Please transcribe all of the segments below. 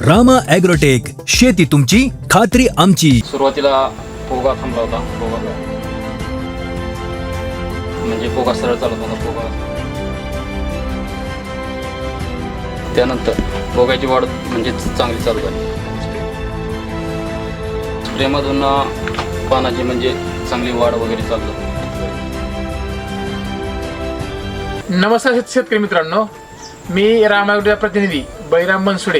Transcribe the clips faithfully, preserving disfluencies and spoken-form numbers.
Rama agrotech, शेती तुमची खात्री आमची. सुरुवातीला पोगा थांबला होता. पोगा म्हणजे पोगा सरळ चालत होता. पोगा त्यानंतर पोगाची वाढ म्हणजे चांगली चालू झाली. स्प्रेमधून पानाची म्हणजे चांगली वाढ वगैरे चालू झाली. नमस्कार शेतकरी मित्रांनो, मी रामा ॲग्रोटेक प्रतिनिधी बळीराम बनसुडे.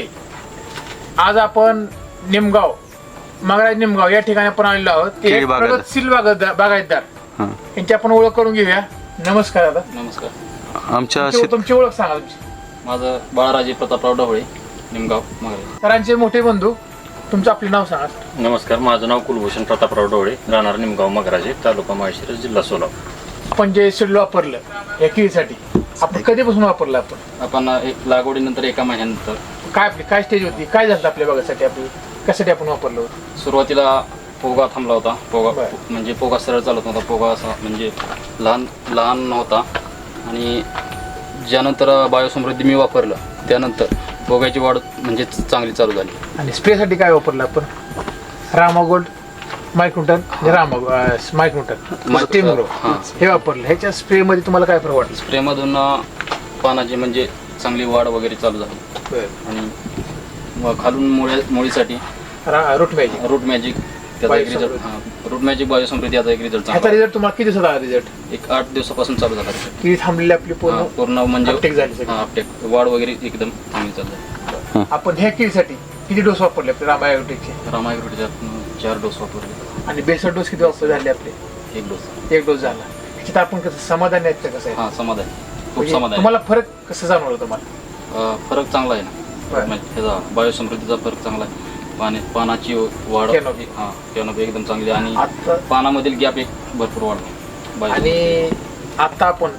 आज आपण निमगाव मगराज निमगाव या ठिकाणी आपण आलेलो आहोत. ते प्रगतशील बागायतदार बागायतदार यांची आपण ओळख करून घेऊया. नमस्कार दादा. नमस्कार. आमच्या तुमची ओळख सांगा तुमची. माझं बाळाराजे प्रतापराव ढवळे, निमगाव मगराज. सरांचे मोठे बंधू, तुमचं आपले नाव सांगा. नमस्कार, माझं नाव कुलभूषण प्रतापराव ढवळे, राहणार निमगाव मगराजे, तालुका माळशिरस, जिल्हा सोलापूर. आपण जे शेड्यूल वापरलं या केळीसाठी आपण कधीपासून वापरलं? आपण आपण एक लागवडीनंतर एका महिन्यानंतर काय आपली काय स्टेज होती, काय झालं आपल्या बागासाठी, आपली कशासाठी आपण वापरलं होतं? सुरुवातीला पोगा थांबला होता. पोगा बरं. म्हणजे पोगा सरळ चालत नव्हता. पोगा असा म्हणजे लहान लहान नव्हता. आणि ज्यानंतर बायोसमृद्धी मी वापरलं त्यानंतर पोगाची वाढ म्हणजे चांगली चालू झाली. आणि स्प्रेसाठी काय वापरलं आपण? Rama gold microton, Rama microton स्टीमग्रो हे वापरलं. ह्याच्या स्प्रे मध्ये तुम्हाला काय फरक वाटलं? स्प्रेमधून पानाची म्हणजे चांगली वाढ वगैरे चालू झाली. आणि मग खालून मुळ्या मुळीसाठी रूट मॅजिक रूट मॅजिक त्याचा एक रिझल्ट. हां, रूट मॅजिक बायोसमृद्धी याचा एक रिझल्ट ह्याचा चांगला. रिझल्ट तुम्हाला किती दिवसात आला? रिझल्ट एक आठ दिवसापासून चालू झाला result. किती थांबलेली आपली हां, पूर्ण पूर्ण म्हणजे uptake झाली सगळी. हां, uptake. वाढ वगैरे एकदम चांगली चालू. आपण ह्या केळीसाठी किती डोस वापरले आपले रामा ॲग्रोटेकचे? रामायग्रोटीच्यात चार डोस वापरले. आणि बेसर डोस किती वापर झाले आपले? एक डोस. एक डोस झाला. ह्याच्यात आपण कसं समाधान आहेत का? कसं आहे हां, समाधान खूप म्हणजे समाधान. तुम्हाला फरक कसं जाणवलं तुम्हाला? अं, फरक चांगला आहे ना. बरं. म्हणजे त्याचा बायोसमृद्धीचा फरक चांगला आहे. पाणी पानाची वाढ Canopy. हां, कॅनोपी एकदम चांगली. आणि आता पानामधील गॅप एक भरपूर वाढला. आणि आता आपण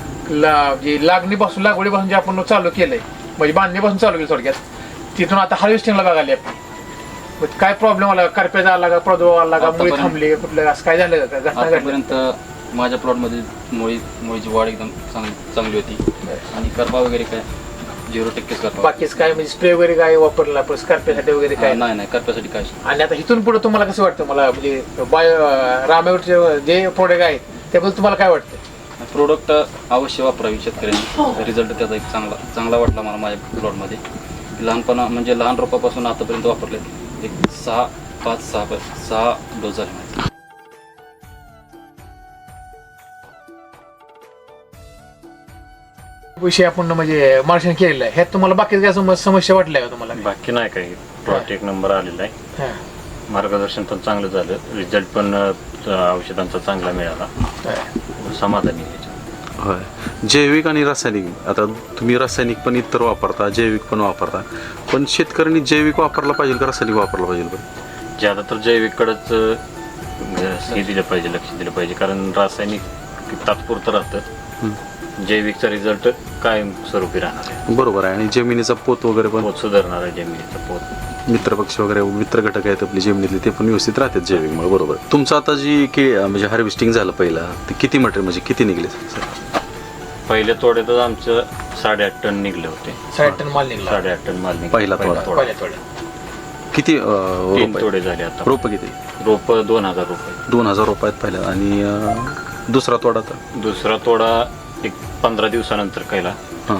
ला जे लागणीपासून लागवडीपासून जे आपण चालू केलंय म्हणजे बांधणीपासून चालू केलं थोडक्यात, तिथून आता हार्वेस्टिंगला बघाली आपली. मग काय प्रॉब्लेम आला? करप्याचा आला का, प्रादुर्भाव आला का, मुळी आतापर्यंत- थांबली कुठलं असं काय झालं का? घटना घडली? आतापर्यंत माझ्या प्लॉटमध्ये मुळी मुळीची वाढ एकदम चांगली चांगली होती. आणि करपा वगैरे काय झिरो टक्केच करपा. बाकीच काय म्हणजे स्प्रे वगैरे काय वापरला आपण करप्यासाठी वगैरे काय? हां, नाही नाही करप्यासाठी काय. आणि आता इथून पुढे तुम्हाला कसं वाटतं? मला म्हणजे बायो रामायणचे जे प्रोडक्ट आहेत त्याबद्दल तुम्हाला काय वाटतं? प्रोडक्ट अवश्य वापरावी शेतकऱ्यांनी. रिझल्ट त्याचा एक चांगला चांगला वाटला मला माझ्या प्लॉटमध्ये. लहानपणा म्हणजे लहान रोपापासून आतापर्यंत वापरले एक सहा पाच सहा सहा डोस झाले माझे. विषय आपण म्हणजे मार्शन केलेला आहे, ह्यात तुम्हाला बाकी काय सम- समस्या वाटल्या का तुम्हाला? बाकी नाही काही. प्लॉट एक नंबर आलेला आहे. हां. मार्गदर्शन पण चांगलं झालं. रिझल्ट पण अं, औषधांचा चांगला मिळाला. समाधानी आहे याच्यात. होय, जैविक आणि रासायनिक. आता तुम्ही रासायनिक पण इतर वापरता, जैविक पण वापरता, पण शेतकऱ्यांनी जैविक वापरला पाहिजे का रासायनिक वापरला पाहिजे? बरं, ज्यादा तर जैविककडंच अं, हे दिलं पाहिजे, लक्ष दिलं पाहिजे. कारण रासायनिक तात्पुरतं राहतं. जैविकचा रिझल्ट कायम स्वरूपी राहणार आहे. बरोबर आहे. आणि जमिनीचा पोत वगैरे पण पोत सुधारणार आहे. जमिनीचा पोत, मित्रपक्ष वगैरे मित्र घटक आहेत आपली जमिनीतले, ते पण व्यवस्थित राहतात जैविकमुळे. बरोबर. तुमचं आता जी की म्हणजे हार्वेस्टिंग झालं पहिला, ते किती मटेरियल म्हणजे किती निघले सर? पहिल्या तोड्यातच आमचं साडेआठ टन निघले होते. साठ टन माल निघाला साडेआठ टन माल निघाला पहिला तोडा. पहिल्या थोड्या. किती तीन रोप तोडे झाले आता. रोप किती? रोप दोन हजार रुपये. दोन हजार रुपयात पहिला. आणि अं, दुसरा तोडा तर दुसरा तोडा एक पंधरा दिवसानंतर केला. हां,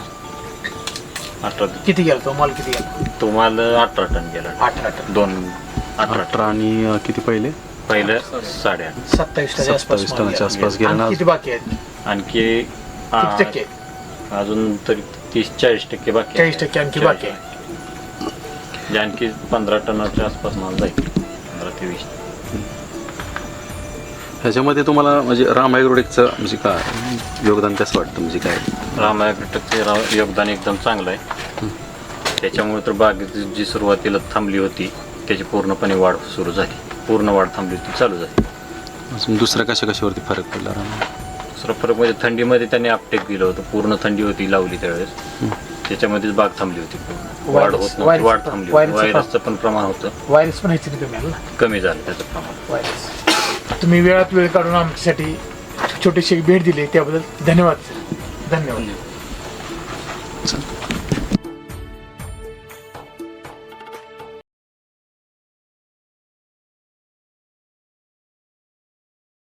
अठरा किती गेला तो माल? किती गेला? तो माल अठरा टन गेला. अठरा टन. दोन अठरा टन. अठरा. आणि अं, किती पहिले? पहिलं साडेआठ. सत्तावीस टनाच्या आसपास सत्तावीस माल टनाच्या गेला. आसपास गेला ना. आणि किती बाकी आहेत? आणखी आ, किती टक्के आहेत? अजून तरी तीस चाळीस टक्के बाकी आहे. चाळीस टक्के आणखी बाकी आहे. जे आणखी पंधरा टनाच्या आसपास माल जाईल. पंधरा ते वीस. ह्याच्यामध्ये तुम्हाला म्हणजे राम ॲग्रोटेकचं म्हणजे काय योगदान कसं वाटतं? म्हणजे काय रामायग्रोटेकचे योगदान एकदम चांगलं आहे. त्याच्यामुळे तर बागेची जी सुरुवातीला थांबली होती त्याची पूर्णपणे वाढ सुरू झाली. पूर्ण वाढ थांबली होती, चालू झाली. अजून दुसऱ्या कशा कशावरती फरक पडला राम? दुसरा फरक म्हणजे थंडीमध्ये त्यांनी अपटेक दिलं होतं. पूर्ण थंडी होती लावली त्यावेळेस. त्याच्यामध्येच बाग थांबली होती. पूर्ण वाढ होत नव्हती. वाढ थांबली होती. व्हायरसचं पण प्रमाण होतं व्हायरस पण ह्याची कमी आलं ना. कमी झालं त्याचं प्रमाण. व्हायरस. तुम्ही वेळात वेळ काढून आमच्यासाठी छोटीशी भेट दिली त्याबद्दल धन्यवाद. धन्यवाद.